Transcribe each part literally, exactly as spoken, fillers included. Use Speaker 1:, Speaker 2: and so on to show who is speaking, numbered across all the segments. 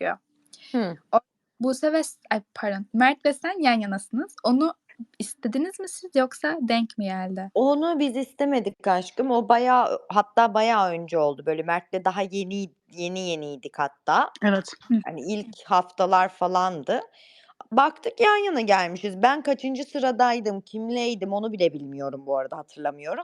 Speaker 1: çıkıyor.
Speaker 2: Hı.
Speaker 1: O, Buse ve ay pardon Mert ve sen yan yanasınız. Onu istediniz mi siz yoksa denk mi geldi?
Speaker 2: Onu biz istemedik aşkım. O bayağı hatta bayağı önce oldu. Böyle Mert'le daha yeni yeni yeniydik hatta.
Speaker 3: Evet.
Speaker 2: Hani ilk haftalar falandı. Baktık yan yana gelmişiz. Ben kaçıncı sıradaydım, kimleydim onu bile bilmiyorum bu arada hatırlamıyorum.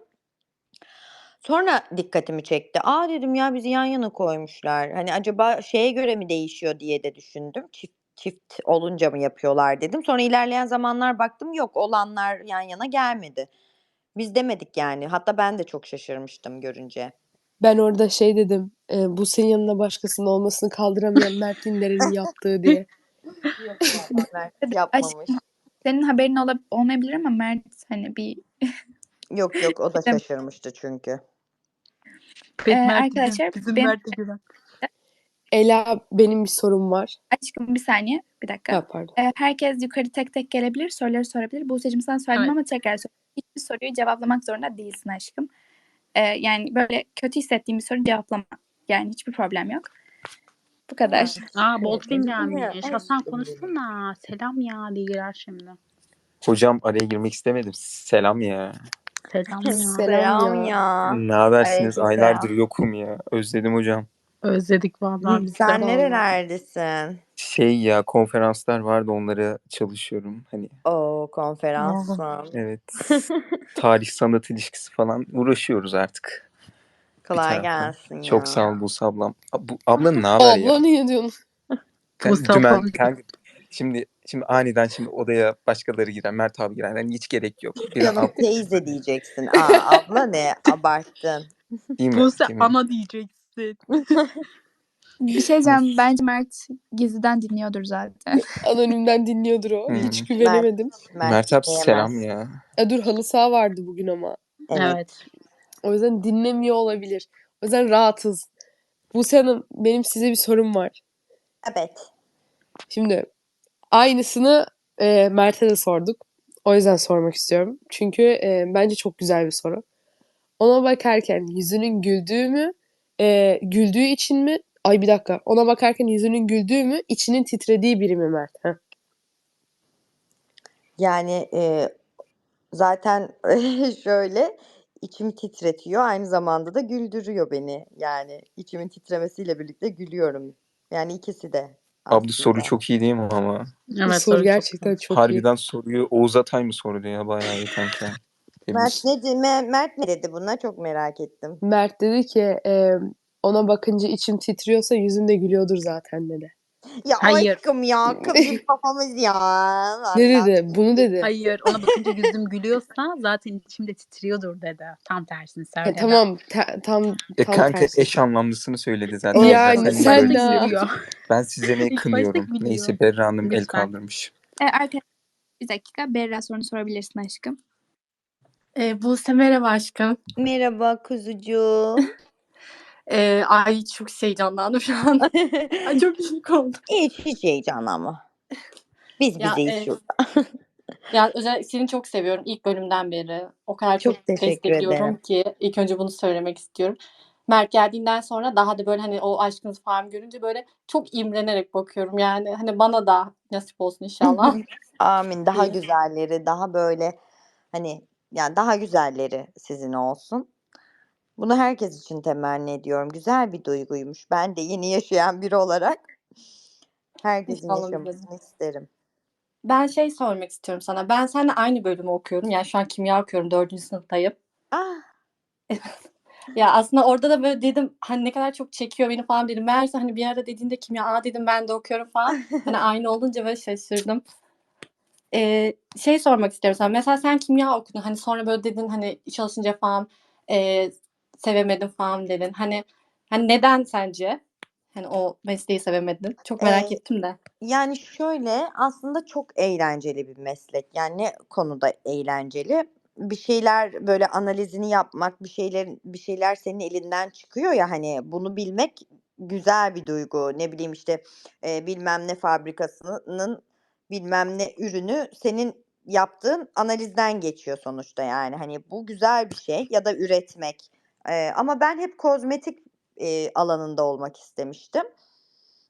Speaker 2: Sonra dikkatimi çekti. Aa dedim ya bizi yan yana koymuşlar. Hani acaba şeye göre mi değişiyor diye de düşündüm. Çift çift olunca mı yapıyorlar dedim. Sonra ilerleyen zamanlar baktım yok olanlar yan yana gelmedi. Biz demedik yani. Hatta ben de çok şaşırmıştım görünce.
Speaker 4: Ben orada şey dedim. E, bu senin yanında başkasının olmasını kaldıramayan Mert Ünder'in yaptığı diye.
Speaker 2: Yok zaten Mert yapmamış.
Speaker 1: Aşkım, senin haberin ola- olmayabilir ama Mert hani bir
Speaker 2: Yok yok o da şaşırmıştı çünkü.
Speaker 1: Ee,
Speaker 3: Mert
Speaker 1: arkadaşlar
Speaker 3: bizim
Speaker 1: benim,
Speaker 3: Mert'e güven.
Speaker 4: Ela benim bir sorum var.
Speaker 1: aşkım bir saniye bir dakika.
Speaker 4: Ha, pardon.
Speaker 1: Ee, herkes yukarı tek tek gelebilir, soruları sorabilir. Buse'cim sana söyledim
Speaker 3: Evet.
Speaker 1: ama tekrar söyleyeyim. Hiçbir soruyu cevaplamak zorunda değilsin aşkım. Ee, yani böyle kötü hissettiğim bir soru cevaplama. Yani hiçbir problem yok. Bu kadar.
Speaker 3: Aa Boltrin gelmiş.
Speaker 2: Ay,
Speaker 3: Hasan konuşsana. Selam ya diye girer şimdi.
Speaker 5: Hocam araya girmek istemedim. Selam ya.
Speaker 3: Selam ya.
Speaker 4: Selam ya.
Speaker 5: Ne habersiniz?
Speaker 2: Aleykümselam.
Speaker 5: Aylardır yokum ya. Özledim hocam.
Speaker 3: Özledik vallahi biz de.
Speaker 2: Sen nerelerdesin?
Speaker 5: Şey ya konferanslar vardı onlara çalışıyorum. Hani
Speaker 2: Oo konferans mı?
Speaker 5: evet. Tarih sanat ilişkisi falan uğraşıyoruz artık. Bir
Speaker 2: Kolay
Speaker 5: taraftan.
Speaker 2: gelsin ya.
Speaker 5: Çok sağ ol Buse ablam. Bu, ablanın ne haber ya?
Speaker 4: Abla niye diyorsun?
Speaker 5: Kan-
Speaker 3: Buse
Speaker 5: Dümen,
Speaker 3: ablam.
Speaker 5: kanka, şimdi şimdi aniden şimdi odaya başkaları girer. Mert abi girer. Yani hiç gerek yok. Bir
Speaker 2: Canım
Speaker 5: ab-
Speaker 2: teyze diyeceksin. Aa abla ne? Abarttın.
Speaker 5: değil mi?
Speaker 3: Buse
Speaker 5: Değil mi?
Speaker 3: ana diyeceksin.
Speaker 1: Bir şey diyeceğim. Bence Mert gizliden dinliyordur zaten.
Speaker 4: Anonimden dinliyordur o.
Speaker 5: Hı.
Speaker 4: Hiç güvenemedim.
Speaker 2: Mert,
Speaker 5: Mert abi
Speaker 2: diyemez.
Speaker 5: selam ya.
Speaker 4: E, dur halı saha vardı bugün ama.
Speaker 2: Evet.
Speaker 3: Evet.
Speaker 4: O yüzden dinlemiyor olabilir. O yüzden rahatız. Buse Hanım benim size bir sorum var.
Speaker 2: Evet.
Speaker 4: Şimdi aynısını e, Mert'e de sorduk. O yüzden sormak istiyorum. Çünkü e, bence çok güzel bir soru. Ona bakarken yüzünün güldüğü mü, e, güldüğü için mi? Ay bir dakika. Ona bakarken yüzünün güldüğü mü, içinin titrediği biri mi Mert? Heh.
Speaker 2: Yani e, zaten şöyle içimi titretiyor. Aynı zamanda da güldürüyor beni. Yani içimin titremesiyle birlikte gülüyorum. Yani ikisi de
Speaker 5: Abla
Speaker 2: aslında.
Speaker 5: soru çok iyi değil mi ama?
Speaker 3: Evet
Speaker 4: soru
Speaker 3: soru
Speaker 4: gerçekten
Speaker 3: çok.
Speaker 4: çok,
Speaker 5: Harbiden soruyu Oğuz Atay mı sordu ya? Bayağı iyi kanka.
Speaker 2: Mert ne, de- Me- Mert ne dedi buna? Çok merak ettim.
Speaker 4: iyi. Mert dedi ki e, ona bakınca içim titriyorsa yüzüm de gülüyordur zaten dedi.
Speaker 2: Ya
Speaker 3: Hayır.
Speaker 2: aşkım ya kızım kafamız ya.
Speaker 4: Ne
Speaker 2: Vallahi.
Speaker 4: dedi? Bunu dedi.
Speaker 3: Hayır ona bakınca yüzüm gülüyorsa zaten içimde titriyordur dedi. Tam tersini
Speaker 4: Ha,
Speaker 3: söyledi.
Speaker 4: tamam ta- tam
Speaker 5: E
Speaker 4: tam
Speaker 5: kanka
Speaker 4: tersi.
Speaker 5: eş anlamlısını söyledi zaten.
Speaker 4: Yani
Speaker 5: Zaten
Speaker 3: İlk
Speaker 4: sen
Speaker 3: başta
Speaker 4: de-
Speaker 3: gülüyor.
Speaker 5: Ben size ne
Speaker 3: İlk başta
Speaker 5: kınıyorum.
Speaker 3: gülüyor.
Speaker 5: Neyse Berra Hanım el
Speaker 3: Lütfen.
Speaker 5: kaldırmış.
Speaker 1: Ee, arkadaşlar bir dakika. Berra sorunu sorabilirsin aşkım.
Speaker 6: Ee, Buse merhaba aşkım.
Speaker 2: Merhaba kuzucuğum.
Speaker 6: Ee, ay çok heyecanlandım şu an. Ay çok şık oldum.
Speaker 2: hiç hiç heyecanlanma. Biz
Speaker 6: Ya,
Speaker 2: bizeyiz
Speaker 6: e,
Speaker 2: şurada.
Speaker 6: Yani özellikle seni çok seviyorum ilk bölümden beri. O kadar çok,
Speaker 2: Çok teşekkür
Speaker 6: destekliyorum
Speaker 2: ederim.
Speaker 6: ki ilk önce bunu söylemek istiyorum. Mert geldiğinden sonra daha da böyle hani o aşkınızı falan görünce böyle çok imrenerek bakıyorum. Yani hani bana da nasip olsun inşallah.
Speaker 2: Amin. Daha
Speaker 6: İyi.
Speaker 2: güzelleri, daha böyle hani yani daha güzelleri sizin olsun. Bunu herkes için temenni ediyorum. Güzel bir duyguymuş. Ben de yeni yaşayan biri olarak herkesin
Speaker 6: İnşallah
Speaker 2: yaşamasını isterim.
Speaker 6: Ben şey sormak istiyorum sana. Ben seninle aynı bölümü okuyorum. Yani şu an kimya okuyorum. Dördüncü sınıftayım.
Speaker 2: Ah,
Speaker 6: Ya aslında orada da böyle dedim hani ne kadar çok çekiyor beni falan dedim. Meğerse hani bir ara dediğinde kimya aa dedim ben de okuyorum falan. Hani aynı olunca böyle şaşırdım. Ee, şey sormak istiyorum sana. Mesela sen kimya okudun. Hani sonra böyle dedin hani çalışınca falan e, sevemedim falan dedin. Hani hani neden sence? Hani o mesleği sevemedin. Çok merak
Speaker 2: Ee,
Speaker 6: ettim de.
Speaker 2: yani şöyle aslında çok eğlenceli bir meslek. Yani ne konuda eğlenceli? Bir şeyler böyle analizini yapmak, bir şeyler bir şeyler senin elinden çıkıyor ya hani bunu bilmek güzel bir duygu. Ne bileyim işte e, bilmem ne fabrikasının bilmem ne ürünü senin yaptığın analizden geçiyor sonuçta yani. Hani bu güzel bir şey ya da üretmek. Ee, ama ben hep kozmetik e, alanında olmak istemiştim.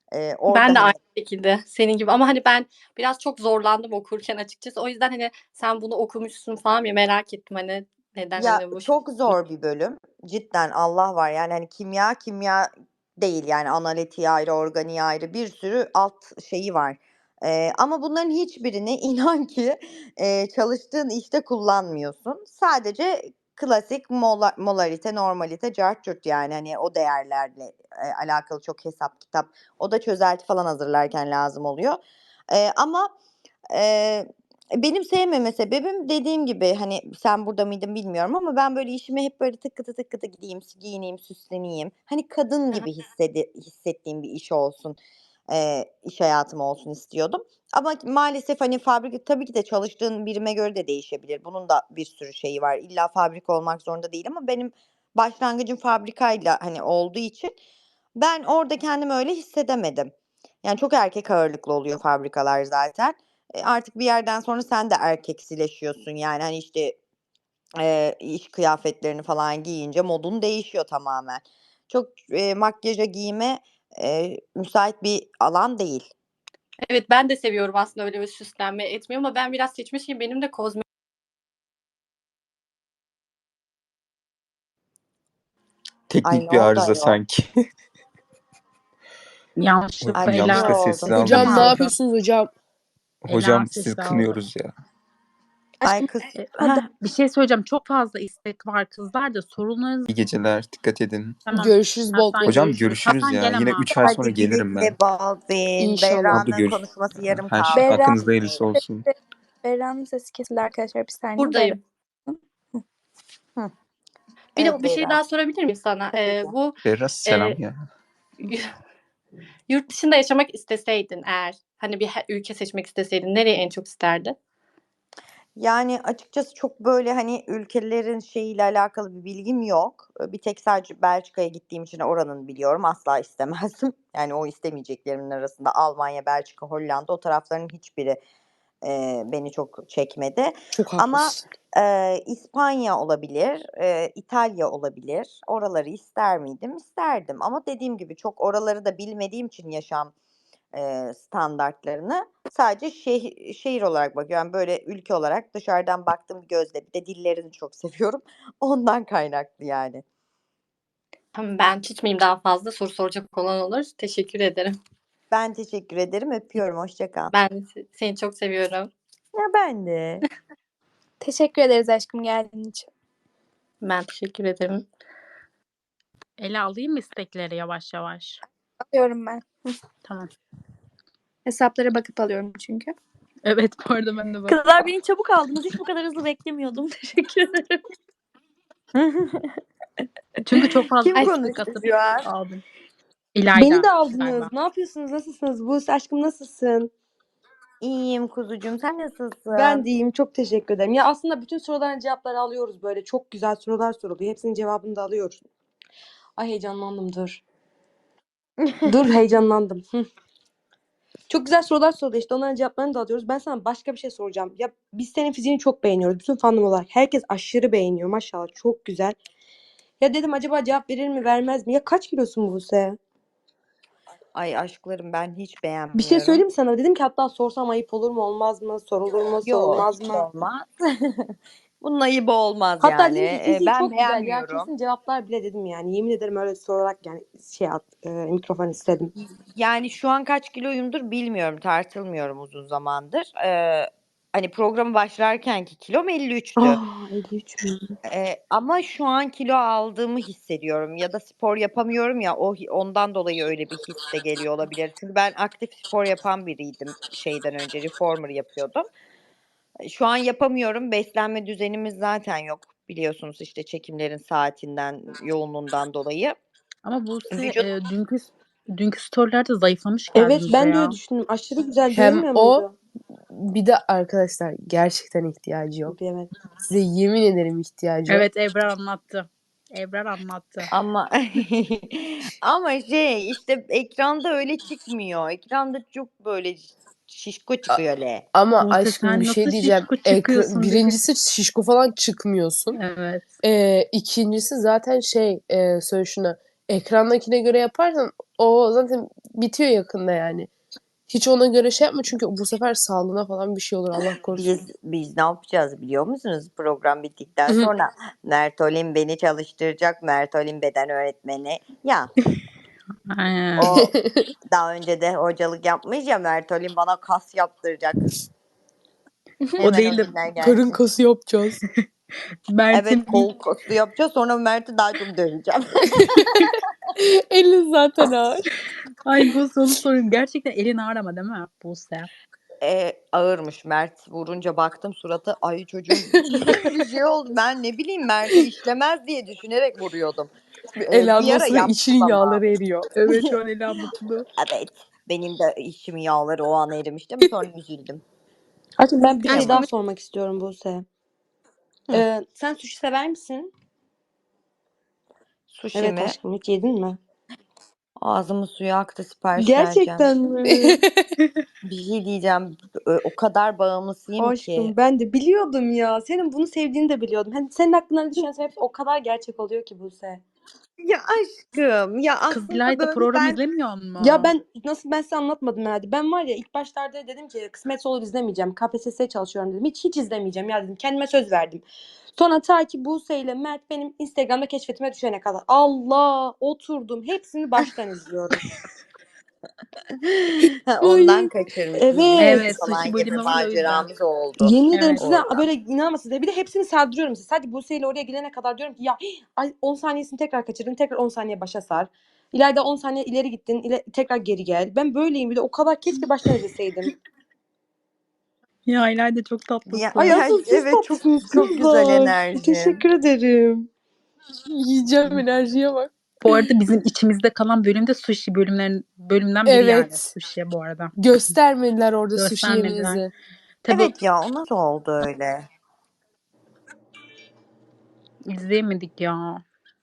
Speaker 2: Ee, orada
Speaker 6: Ben de
Speaker 2: hani
Speaker 6: aynı şekilde senin gibi ama hani ben biraz çok zorlandım okurken açıkçası. O yüzden hani sen bunu okumuşsun falan ya merak ettim hani neden
Speaker 2: ya
Speaker 6: hani bu
Speaker 2: çok zor bir bölüm. Cidden Allah var yani hani kimya kimya değil yani analitiği ayrı, organiği ayrı bir sürü alt şeyi var. Ee, ama bunların hiçbirini inan ki e, çalıştığın işte kullanmıyorsun. Sadece klasik mola, molarite, normalite, cart curt yani hani o değerlerle e, alakalı çok hesap kitap. O da çözelti falan hazırlarken lazım oluyor. Ee, ama Eee, benim sevmeme sebebim dediğim gibi hani sen burada mıydın bilmiyorum ama ben böyle işime hep böyle tıkıtı tıkıtı gideyim, giyineyim, süsleneyim. Hani kadın gibi hissedi hissettiğim bir iş olsun, eee, iş hayatım olsun istiyordum. Ama maalesef hani fabrika tabii ki de çalıştığın birime göre de değişebilir. Bunun da bir sürü şeyi var. İlla fabrika olmak zorunda değil ama benim başlangıcım fabrikayla hani olduğu için ben orada kendimi öyle hissedemedim. Yani çok erkek ağırlıklı oluyor fabrikalar zaten. E, artık bir yerden sonra sen de erkeksileşiyorsun. Yani hani işte e, iş kıyafetlerini falan giyince modun değişiyor tamamen. Çok e, makyaja giyime e, müsait bir alan değil.
Speaker 6: Evet ben de seviyorum aslında öyle bir süslenme etmiyor ama ben biraz seçmişim. Benim de kozmetik
Speaker 2: Ay
Speaker 5: Teknik
Speaker 2: ne
Speaker 5: bir
Speaker 2: oldu
Speaker 5: arıza
Speaker 2: ayol?
Speaker 5: sanki.
Speaker 3: Yanlışlıkla
Speaker 2: Ay bir
Speaker 3: Ela
Speaker 2: şey
Speaker 5: Yanlışlıkla
Speaker 2: oldu.
Speaker 5: sesini
Speaker 3: sesini
Speaker 4: Hocam ne
Speaker 5: aldım.
Speaker 3: aldı.
Speaker 4: yapıyorsunuz hocam?
Speaker 3: Ela
Speaker 5: Hocam sizi
Speaker 3: sesi aldı.
Speaker 5: kınıyoruz ya.
Speaker 2: Ay
Speaker 1: Aşkım
Speaker 2: kız.
Speaker 3: E,
Speaker 1: hadi.
Speaker 2: Heh,
Speaker 3: bir şey söyleyeceğim. Çok fazla istek var kızlar da sorunlarınız
Speaker 5: İyi geceler. Dikkat edin.
Speaker 3: tamam.
Speaker 4: Görüşürüz bol
Speaker 3: Hasan
Speaker 5: Hocam
Speaker 3: görüşürüz.
Speaker 5: görüşürüz
Speaker 3: Hasan
Speaker 5: ya.
Speaker 3: gel
Speaker 5: Yine
Speaker 3: ama.
Speaker 5: üç ay sonra
Speaker 2: hadi güle
Speaker 5: gelirim
Speaker 2: güle
Speaker 5: ben.
Speaker 2: Baldwin.
Speaker 4: İnşallah.
Speaker 5: Abla
Speaker 2: Berra'nın
Speaker 5: görüş.
Speaker 2: konuşması yarım
Speaker 5: Her şey
Speaker 2: kaldı.
Speaker 1: Berra,
Speaker 5: hakkınızda hayırlısı olsun.
Speaker 1: Berra'nın sesi kesildi arkadaşlar bir saniye. Berra.
Speaker 6: buradayım.
Speaker 2: Hı.
Speaker 6: Bir
Speaker 2: Evet
Speaker 6: de bir şey
Speaker 2: Berra.
Speaker 6: daha sorabilir miyim sana?
Speaker 2: Tabii
Speaker 6: Ee,
Speaker 2: ki.
Speaker 6: bu
Speaker 5: Berra selam
Speaker 6: e,
Speaker 5: ya.
Speaker 6: yurt dışında yaşamak isteseydin eğer hani bir he- ülke seçmek isteseydin nereye en çok isterdin?
Speaker 2: Yani açıkçası çok böyle hani ülkelerin şeyiyle alakalı bir bilgim yok. Ee, Bir tek sadece Belçika'ya gittiğim için oranın biliyorum. Asla istemezdim. Yani o istemeyeceklerimin arasında Almanya, Belçika, Hollanda o tarafların hiçbiri e, beni çok çekmedi.
Speaker 4: Çok
Speaker 2: Ama
Speaker 4: haklısın.
Speaker 2: e, İspanya olabilir, e, İtalya olabilir. Oraları ister miydim? İsterdim. Ama dediğim gibi çok oraları da bilmediğim için yaşam e, standartlarını sadece şeh- şehir olarak bakıyorum. Yani böyle ülke olarak dışarıdan baktığım bir gözle bir de dillerini çok seviyorum. Ondan kaynaklı yani.
Speaker 6: Tamam ben tutmayayım daha fazla soru soracak olan olur. Teşekkür ederim.
Speaker 2: Ben teşekkür ederim. Öpüyorum. Hoşça kal.
Speaker 6: Ben se- seni çok seviyorum.
Speaker 2: Ya ben de.
Speaker 1: Teşekkür ederiz aşkım geldiğin için.
Speaker 6: Ben teşekkür ederim.
Speaker 3: Ela alayım mı istekleri yavaş yavaş?
Speaker 1: Alıyorum ben.
Speaker 3: Tamam.
Speaker 1: Hesaplara bakıp alıyorum çünkü.
Speaker 3: Evet bu arada ben de bak.
Speaker 7: Kızlar beni çabuk aldınız. Hiç bu kadar hızlı beklemiyordum. Teşekkür ederim.
Speaker 3: Çünkü çok fazla
Speaker 2: Kim
Speaker 1: Ay,
Speaker 3: istek
Speaker 2: konuştu
Speaker 3: atıp
Speaker 2: şu an?
Speaker 3: aldım.
Speaker 7: Beni
Speaker 3: İlayda
Speaker 7: de aldınız.
Speaker 3: galiba.
Speaker 7: Ne yapıyorsunuz? Nasılsınız? Buse aşkım nasılsın?
Speaker 2: İyiyim kuzucuğum. Sen nasılsın?
Speaker 7: Ben de iyiyim. Çok teşekkür ederim. Ya aslında bütün soruların cevapları alıyoruz böyle. Çok güzel sorular soruluyor. Hepsinin cevabını da alıyoruz. Ay heyecanlandım dur. Dur heyecanlandım. Hı. Çok güzel sorular soruluyor işte. Onların cevaplarını da alıyoruz. Ben sana başka bir şey soracağım. Ya biz senin fiziğini çok beğeniyoruz. Bütün fandom olarak. Herkes aşırı beğeniyor. Maşallah çok güzel. Ya dedim acaba cevap verir mi vermez mi? Ya kaç kilosun Buse?
Speaker 2: Ay aşklarım ben hiç
Speaker 7: Bir şey
Speaker 2: beğenmiyorum.
Speaker 7: söyleyeyim mi sana? Dedim ki hatta sorsam ayıp olur mu olmaz mı? Sorulur mu
Speaker 2: Yok
Speaker 7: sorulmaz
Speaker 2: hiç
Speaker 7: mı?
Speaker 2: olmaz. Bunun ayıbı olmaz
Speaker 7: Hatta
Speaker 2: yani.
Speaker 7: dedim ki
Speaker 2: Ee,
Speaker 7: fiziği
Speaker 2: ben
Speaker 7: çok güzel ya
Speaker 2: beğenmiyorum.
Speaker 7: kesin cevaplar bile dedim yani. Yemin ederim öyle sorarak yani şey at, e, mikrofon istedim.
Speaker 2: Yani şu an kaç kiloyumdur bilmiyorum. Tartılmıyorum uzun zamandır. Ee, hani programı başlarkenki kilom elli üçtü.
Speaker 7: Aa elli üç mü?
Speaker 2: Ee, ama şu an kilo aldığımı hissediyorum. Ya da spor yapamıyorum ya o ondan dolayı öyle bir his de geliyor olabilir. Çünkü ben aktif spor yapan biriydim şeyden önce reformer yapıyordum. Şu an yapamıyorum. Beslenme düzenimiz zaten yok. Biliyorsunuz işte çekimlerin saatinden, yoğunluğundan dolayı.
Speaker 3: Ama Buse
Speaker 2: Vücut
Speaker 3: e, dünkü dünkü storylerde zayıflamış
Speaker 7: Evet
Speaker 3: geldiniz
Speaker 7: ben de
Speaker 3: ya.
Speaker 7: öyle düşündüm. Aşırı güzel
Speaker 4: Hem
Speaker 7: görünmüyor
Speaker 4: o
Speaker 7: muydu?
Speaker 4: bir de arkadaşlar gerçekten ihtiyacı yok.
Speaker 7: Evet.
Speaker 4: Size yemin ederim ihtiyacı yok.
Speaker 3: Evet Ebrar anlattı. Ebrar anlattı.
Speaker 2: ama ama şey işte ekranda öyle çıkmıyor. Ekranda çok böyle şişko
Speaker 4: A-
Speaker 2: çıkıyor öyle.
Speaker 4: Ama
Speaker 3: Buse
Speaker 4: aşkım bir
Speaker 3: sen
Speaker 4: şey
Speaker 3: nasıl
Speaker 4: diyeceğim.
Speaker 3: şişko
Speaker 4: Ekra-
Speaker 3: çıkıyorsun dedi.
Speaker 4: birincisi şişko falan çıkmıyorsun.
Speaker 3: Evet.
Speaker 4: Ee, ikincisi zaten şey e, söyle şuna ekrandakine göre yaparsan o zaten bitiyor yakında yani. Hiç ona göre şey yapma çünkü bu sefer sağlığına falan bir şey olur Allah korusun.
Speaker 2: Biz biz ne yapacağız biliyor musunuz? Program bittikten
Speaker 4: Hı hı.
Speaker 2: sonra Mert Olim beni çalıştıracak. Mert Olim beden öğretmeni. Ya
Speaker 3: Aynen.
Speaker 2: o daha önce de hocalık yapmış ya, Mert Olim bana kas yaptıracak.
Speaker 3: O
Speaker 2: Hemen o
Speaker 3: değil de
Speaker 2: günler
Speaker 4: Karın
Speaker 2: gelsin.
Speaker 4: kası yapacağız.
Speaker 3: Mert'in
Speaker 2: Evet, kol kası yapacağız. Sonra Mert'i daha çok döveceğim.
Speaker 4: Elin zaten ağır.
Speaker 3: Ay bu soru sorayım. Gerçekten elin ağır ama değil mi Buse?
Speaker 2: E, ağırmış. Mert vurunca baktım suratı. Ay çocuğum bir şey oldu. Ben ne bileyim Mert'i işlemez diye düşünerek vuruyordum. E,
Speaker 4: El
Speaker 2: bir ara
Speaker 4: almasına
Speaker 2: yaptım
Speaker 4: içinin
Speaker 2: ama.
Speaker 4: yağları eriyor.
Speaker 3: Evet şu an Ela mutlu.
Speaker 2: Evet. Benim de içimin yağları o an erimiştim. Sonra üzüldüm.
Speaker 7: Aşkım ben bir şey
Speaker 2: Kıyamam.
Speaker 7: daha sormak istiyorum Buse.
Speaker 2: Hı.
Speaker 7: Ee, sen sushi sever misin?
Speaker 2: Sushi
Speaker 7: Evet
Speaker 2: mi?
Speaker 7: aşkım, hiç yedin mi?
Speaker 2: Ağzımın suyu aktı, sipariş vereceğim.
Speaker 7: Gerçekten mi?
Speaker 2: Bir şey diyeceğim. Ö- O kadar bağımlısıyım ki.
Speaker 7: Aşkım ben de biliyordum ya. Senin bunu sevdiğini de biliyordum. Hani senin aklına düşen şey hepsi o kadar gerçek oluyor ki Buse.
Speaker 2: Ya aşkım, ya
Speaker 3: Kız
Speaker 2: aslında
Speaker 3: İlayda
Speaker 2: böyle
Speaker 3: program
Speaker 2: ben
Speaker 3: izlemiyor mu?
Speaker 7: Ya ben nasıl ben size anlatmadım herhalde. Ben var ya ilk başlarda dedim ki kısmetse olur izlemeyeceğim. K P S S'ye çalışıyorum dedim. Hiç hiç izlemeyeceğim ya dedim. Kendime söz verdim. Sonra ta ki Buse ile Mert benim Instagram'da keşfetime düşene kadar. Allah, oturdum. Hepsini baştan izliyorum.
Speaker 2: Ha, ondan
Speaker 4: Ay.
Speaker 2: kaçırmışız.
Speaker 7: Evet.
Speaker 2: Bir
Speaker 3: Evet
Speaker 2: falan
Speaker 3: sushi
Speaker 2: gibi
Speaker 3: bölümü var o yüzden.
Speaker 2: maceramız oldu
Speaker 7: Yemin ederim
Speaker 3: Evet.
Speaker 7: size
Speaker 2: oradan.
Speaker 7: böyle inanamazsınız. Bir de hepsini sardırıyorum size. Sadece Buse ile oraya gelene kadar diyorum ki ya ay on saniyesini tekrar kaçırdın. Tekrar on saniye başa sar. İleride on saniye ileri gittin. ile- tekrar geri gel. Ben böyleyim bir de o kadar keşke baştan izleseydim.
Speaker 3: Ya İlayda çok
Speaker 2: Ya,
Speaker 3: tatlısın.
Speaker 7: Ay
Speaker 2: ya
Speaker 7: asıl siz
Speaker 2: evet çok
Speaker 7: tatlısınız
Speaker 2: çok güzel
Speaker 7: kızlar.
Speaker 2: enerji.
Speaker 7: Teşekkür ederim.
Speaker 4: Yiyeceğim enerjiye bak.
Speaker 3: Bu arada bizim içimizde kalan bölümde sushi bölümlerin bölümden biri yani.
Speaker 4: Evet.
Speaker 3: Sushi bu arada.
Speaker 4: Göstermediler orada sushi
Speaker 3: Göstermediler.
Speaker 4: yemenizi.
Speaker 3: Tabii
Speaker 2: Evet ya, o nasıl oldu öyle?
Speaker 3: izleyemedik ya.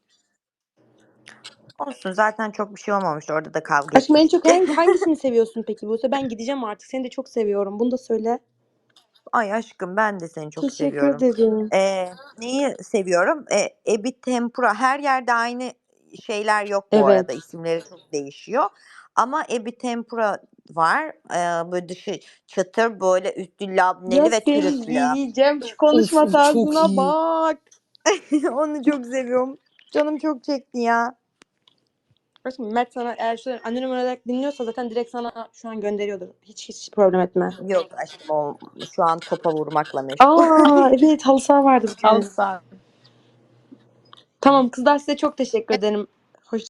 Speaker 2: Olsun, zaten çok bir şey olmamıştı. Orada da kavga
Speaker 7: Aşkım en çok
Speaker 2: etmiştik.
Speaker 7: hangi, hangisini seviyorsun peki Buse? Ben gideceğim artık. Seni de çok seviyorum. Bunu da söyle.
Speaker 2: Ay aşkım, ben de seni çok
Speaker 7: Teşekkür
Speaker 2: seviyorum.
Speaker 7: ederim.
Speaker 2: Ee, neyi seviyorum? Ee, Ebi Tempura. Her yerde aynı şeyler yok bu
Speaker 7: Evet.
Speaker 2: arada. İsimleri çok değişiyor. Ama Ebi Tempura var. Ee, böyle dışı çıtır, böyle üstü labneli
Speaker 7: Ya
Speaker 2: ve
Speaker 7: seni
Speaker 2: trüflü.
Speaker 7: yiyeceğim. Şu
Speaker 4: Of
Speaker 7: konuşma
Speaker 4: o çok
Speaker 7: tarzına
Speaker 4: iyi.
Speaker 7: bak.
Speaker 2: Onu çok seviyorum. Canım çok çekti ya.
Speaker 7: Aşkım Mert sana eğer şu an anonim olarak dinliyorsa zaten direkt sana şu an gönderiyordur. Hiç hiç problem etme.
Speaker 2: Yok aşkım, o şu an topa vurmakla meşgul.
Speaker 7: Aa evet halı saha vardı bugün.
Speaker 3: Al sağ.
Speaker 7: Tamam kızlar, size çok teşekkür ederim.